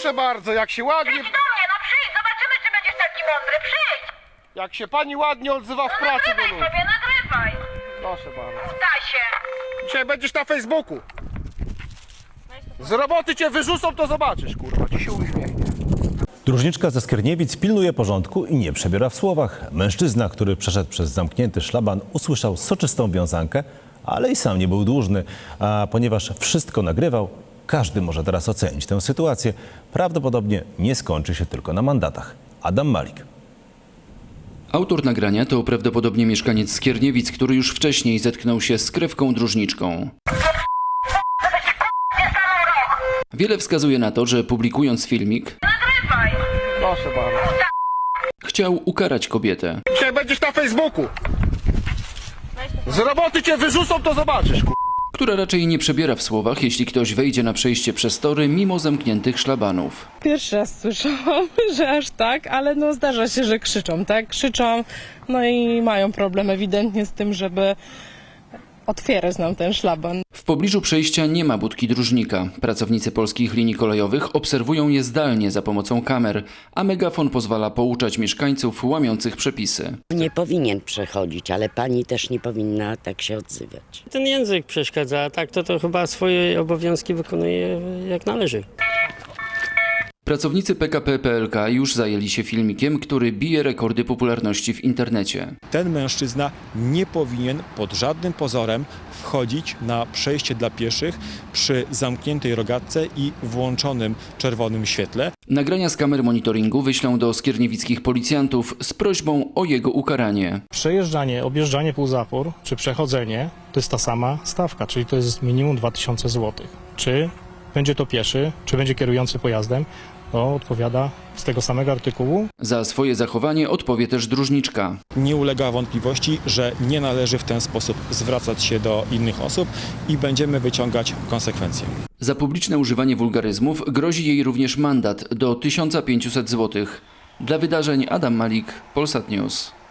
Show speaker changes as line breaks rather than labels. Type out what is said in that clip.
Proszę bardzo, jak się ładnie...
Przyjdź do mnie, no przyjdź, zobaczymy, czy będziesz taki mądry, przyjdź!
Jak się pani ładnie odzywa w
No
pracy do
nagrywaj
ludzi.
sobie, nagrywaj!
Proszę bardzo.
Stasie!
Dzisiaj będziesz na Facebooku. Z roboty cię wyrzucą, to zobaczysz, kurwa, ci się uśmiechnie.
Dróżniczka ze Skierniewic pilnuje porządku i nie przebiera w słowach. Mężczyzna, który przeszedł przez zamknięty szlaban, usłyszał soczystą wiązankę, ale i sam nie był dłużny. A ponieważ wszystko nagrywał, każdy może teraz ocenić tę sytuację. Prawdopodobnie nie skończy się tylko na mandatach. Adam Malik.
Autor nagrania to prawdopodobnie mieszkaniec Skierniewic, który już wcześniej zetknął się z krewką dróżniczką. Wiele wskazuje na to, że publikując filmik,
Nagrywaj!
Proszę bardzo.
chciał ukarać kobietę.
Dzisiaj będziesz na Facebooku. Z roboty cię wyrzucą, to zobaczysz, kurwa.
Która raczej nie przebiera w słowach, jeśli ktoś wejdzie na przejście przez tory mimo zamkniętych szlabanów.
Pierwszy raz słyszałam, że aż tak, ale no zdarza się, że krzyczą, tak? Krzyczą, no i mają problem ewidentnie z tym, żeby otwierać nam ten szlaban.
W pobliżu przejścia nie ma budki dróżnika. Pracownicy polskich linii kolejowych obserwują je zdalnie za pomocą kamer, a megafon pozwala pouczać mieszkańców łamiących przepisy.
Nie powinien przechodzić, ale pani też nie powinna tak się odzywać.
Ten język przeszkadza, a tak to chyba swoje obowiązki wykonuje jak należy.
Pracownicy PKP PLK już zajęli się filmikiem, który bije rekordy popularności w internecie.
Ten mężczyzna nie powinien pod żadnym pozorem wchodzić na przejście dla pieszych przy zamkniętej rogatce i włączonym czerwonym świetle.
Nagrania z kamer monitoringu wyślą do skierniewickich policjantów z prośbą o jego ukaranie.
Przejeżdżanie, objeżdżanie półzapór czy przechodzenie to jest ta sama stawka, czyli to jest minimum 2000 zł. Czy będzie to pieszy, czy będzie kierujący pojazdem, to odpowiada z tego samego artykułu.
Za swoje zachowanie odpowie też dróżniczka.
Nie ulega wątpliwości, że nie należy w ten sposób zwracać się do innych osób i będziemy wyciągać konsekwencje.
Za publiczne używanie wulgaryzmów grozi jej również mandat do 1500 zł. Dla wydarzeń Adam Malik, Polsat News.